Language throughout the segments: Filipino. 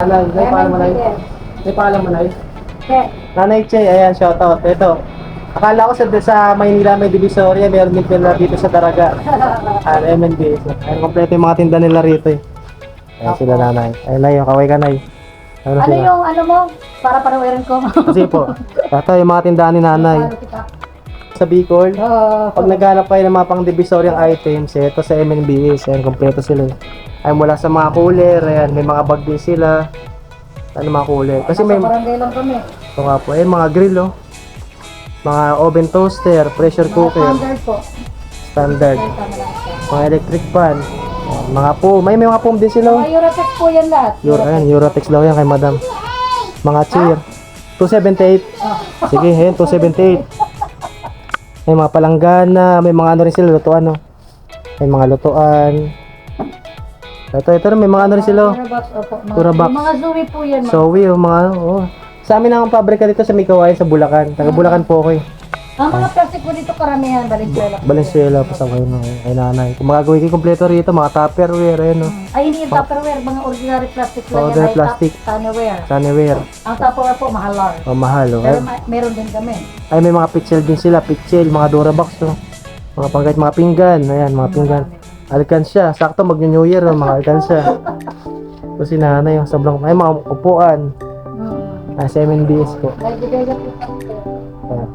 Nanay, may pangalan mo, Nay? May pangalan mo, Nay? Che. Nanay Che, ayan, shoutout. Ito. Akala ko sa Maynila may Divisoria, meron din pala dito sa Daraga. MNBS. Ayan, kompleto yung mga tinda nila rito eh. Ayan sila nanay. Ayan na yung kaway ka, Nay. Ano sila? yung ano mo? Para panawirin ko. Kasi po, ito yung mga tindahan ni nanay. Sa Bicol, pag naghanap kayo ng mga pang Divisoriang items, ito sa MNBS, ayan, kompleto sila eh. Ay mula sa mga cooler, ayan, may mga bag din sila. Ano mga cooler? Kasi may, barangay lang kami. ito nga po, ayan, mga grill oh. Mga oven toaster, pressure cooker, Standard po. standard. Mga electric fan, mga po, may mga foam din sila oh. Mga Eurotex po yan lahat. Ayan, Eurotex daw yan kay madam. Mga chair, 278. Sige, ayan, 278. May mga palanggana, may mga ano rin sila, lutuan, no? May mga lutuan. Ito rin, may mga ano rin sila. Turabox. Mga Zoe po yan. Zoe, mga, oh. Sa amin ang pabrika dito sa Mikawayan, sa Bulacan. Taga Bulacan po ako eh. Ang mga plastic po dito karamihan, Valenzuela. Valenzuela, pasaway no, kay nanay. Kung magagawin kayo kompleto rito, mga tupperware, ayan, no? Ay, hindi yung Tupperware, mga ordinary plastic lang Ordinary yan. plastic. Sunnywear. Sunnywear. Ang Tupperware po, mahal. Oh, mahal, oh. Pero meron din kami. Ay, may mga pitchel din sila, pitchel, mga Durabox, no? Mga pangkait, mga pinggan, ayan, mga pinggan. Alkansya, sakto mag-New Year, no? Mga alkansya. So, si nanay, yung sobrang, ay, mga upuan. Sa MNBS po. Ayan.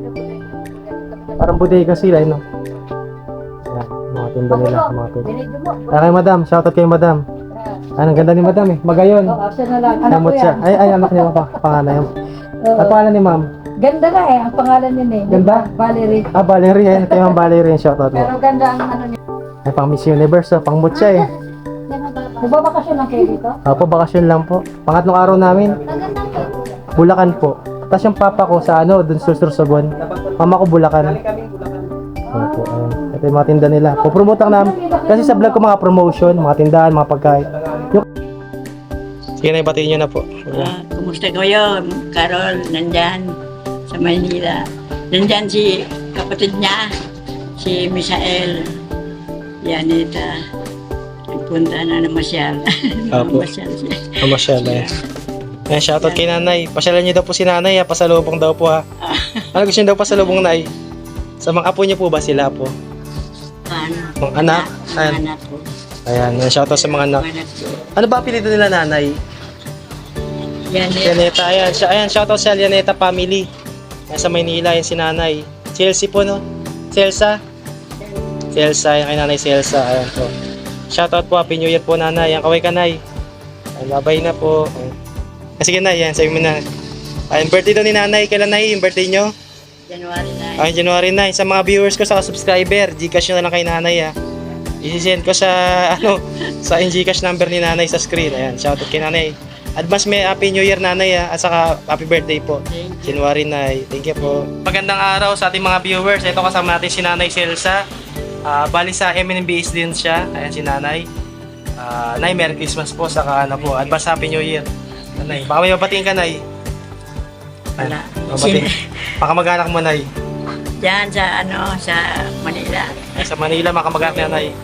Parang bodega sila, no? Ayan, mga tinda nila, mga tinda. Kay madam, shoutout kay madam. Ang ganda ni madam eh, magayon. Siya na lang. Anak ko Namot siya. yan. Ay, anak niya pa, panganay. Ang pangalan ni ma'am? Ganda na eh, ang pangalan niya eh. Ganda? Valerie. Valerie, ayan, kay ma'am Valerie, shoutout mo. Pero ganda ang ano niya. Ay, pang Miss Universe, oh, pang mutya eh. Nagbabakasyon lang kayo dito? Opo, bakasyon lang po. Pangatlong araw namin, Bulacan po. Tapos yung papa ko sa ano, dun sa Sursogon. Mama ko Bulacan. Opo, ayan. Ito yung mga tinda nila. Pupromote lang namin. Kasi sa vlog ko mga promotion, mga tindahan, mga pagkain. Sige na, ibatiin nyo na po. Kumusta kayo? Carol, nandyan sa Maynila. Nandyan si kapatid niya, si Misael. Yanita. Nagpunta na masyal. Apo. Masyal siya. Masyal eh. Ayan, shoutout kay nanay. Pasyalan niyo daw po si nanay ha. Pasalubong daw po ha. Ano gusto niyo daw pasalubong, nay? Sa mga apo niyo po ba sila po? Ano? Mga anak? Ayan. Anak ko. Ayan, shoutout sa mga anak. Anak ko. Ano ba apelido nila nanay? Yanita. Yaneta, ayan. Ayan, shoutout sa Yaneta family. Ayan, sa Maynila, yan si nanay. Chelsea po, no? Celsa? Celsa, yan kay nanay Celsa. Ayan po. Shoutout po, Happy New Year po nanay. Yan, kaway ka nay. Ayan, babay na po. Ayan. Sige na, yan, sabi mo na. Ayan, birthday daw ni nanay. Kailan na yung birthday nyo? January 9. Ayan, January 9. Sa mga viewers ko, sa subscriber, Gcash nyo na lang kay nanay ha. I-send ko sa, ano, sa Gcash number ni nanay sa screen. Ayan, shoutout kay nanay. Advance may Happy New Year nanay ha. At saka Happy Birthday po. January 9. Thank you po. Magandang araw sa ating mga viewers. Ito kasama natin si Nanay Celsa. Bali sa MNBS din siya. Ayan si nanay. Nay, Merry Christmas po. Saka ano po, advance Happy New Year. Nanay, baka may mabatiin ka, nay. Wala. Mabatiin. Baka mag-anak mo, nay. Diyan sa ano, sa Manila. Sa Manila, makamag-anak niya, nay.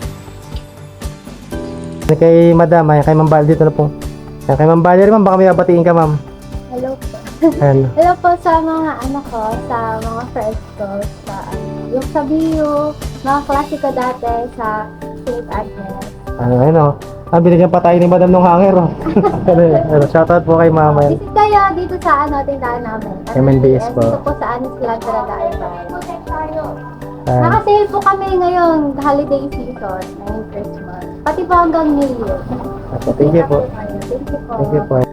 Kay madam, ay kay Ma'am Val dito na po. Ayan, kay Ma'am Valerie, ma'am, baka may mabatiin ka, ma'am. Hello po. Ayan. Hello po sa mga ano ko, sa mga friends ko, sa yung sa Bio, mga klase ko dati sa St. Agnes. Ayun o. Binigyan pa tayo ni madam ng hanger o. Shoutout po kay mama. Visit kayo dito sa ano, tindahan namin. MNBS po. Dito po sa Anis Land talaga. Ayan. Naka-sale po kami ngayon, holiday season, ngayong Christmas. Pati po hanggang New Year. Thank you po. Thank you po. Thank you po.